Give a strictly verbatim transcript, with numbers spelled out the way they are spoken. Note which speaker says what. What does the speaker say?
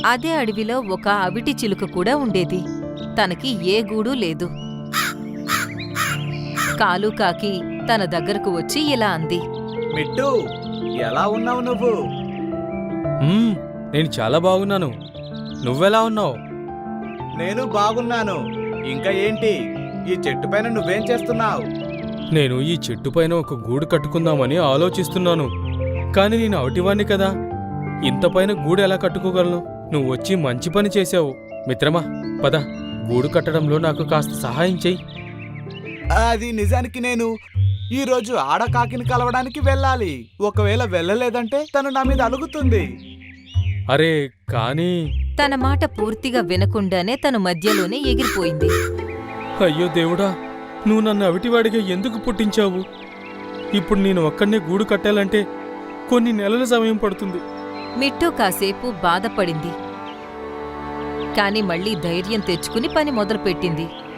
Speaker 1: అదే అడవిలో ఒక అవిటి చిలుక కూడా ఉండేది. తనకి ఏ గూడూ లేదు. కాలు కాకి తన దగ్గరకు వచ్చి ఇలా అంది.
Speaker 2: మిట్టు, ఎలా ఉన్నావు నువ్వు?
Speaker 3: మ్మ్, నేను చాలా బాగున్నాను. నువ్వెలా ఉన్నావు?
Speaker 2: నేను బాగున్నాను. ఇంకా ఏంటి, ఈ చెట్టు పైన నువ్వేం చేస్తున్నావు?
Speaker 3: నేను ఈ చెట్టు పైన ఒక గూడు కట్టుకుందామని ఆలోచిస్తున్నాను. కాని నేను అవిటివాణ్ణి కదా, ఇంత పైన గూడు ఎలా కట్టుకోగలను? నువ్వు వచ్చి మంచి పని చేశావు. మిత్రమా, పద, గూడు కట్టడంలో నాకు కాస్త సహాయం చెయ్యి.
Speaker 2: అది నిజానికి నేను ఈ రోజు ఆడకాకిని కలవడానికి వెళ్ళాలి. ఒకవేళ వెళ్ళలేదంటే తను నా మీద అలుగుతుంది.
Speaker 3: అరే కానీ
Speaker 1: తన మాట పూర్తిగా వినకుండానే తను మధ్యలోనే ఎగిరిపోయింది.
Speaker 3: అయ్యో దేవుడా, నువ్వు నన్ను అవిటివాడిగా ఎందుకు పుట్టించావు? ఇప్పుడు నేను ఒక్కడనే గూడు కట్టాలంటే కొన్ని నెలల సమయం పడుతుంది.
Speaker 1: మిట్టు కాసేపు బాధపడింది. కాని మళ్లీ ధైర్యం తెచ్చుకుని పని మొదలుపెట్టింది.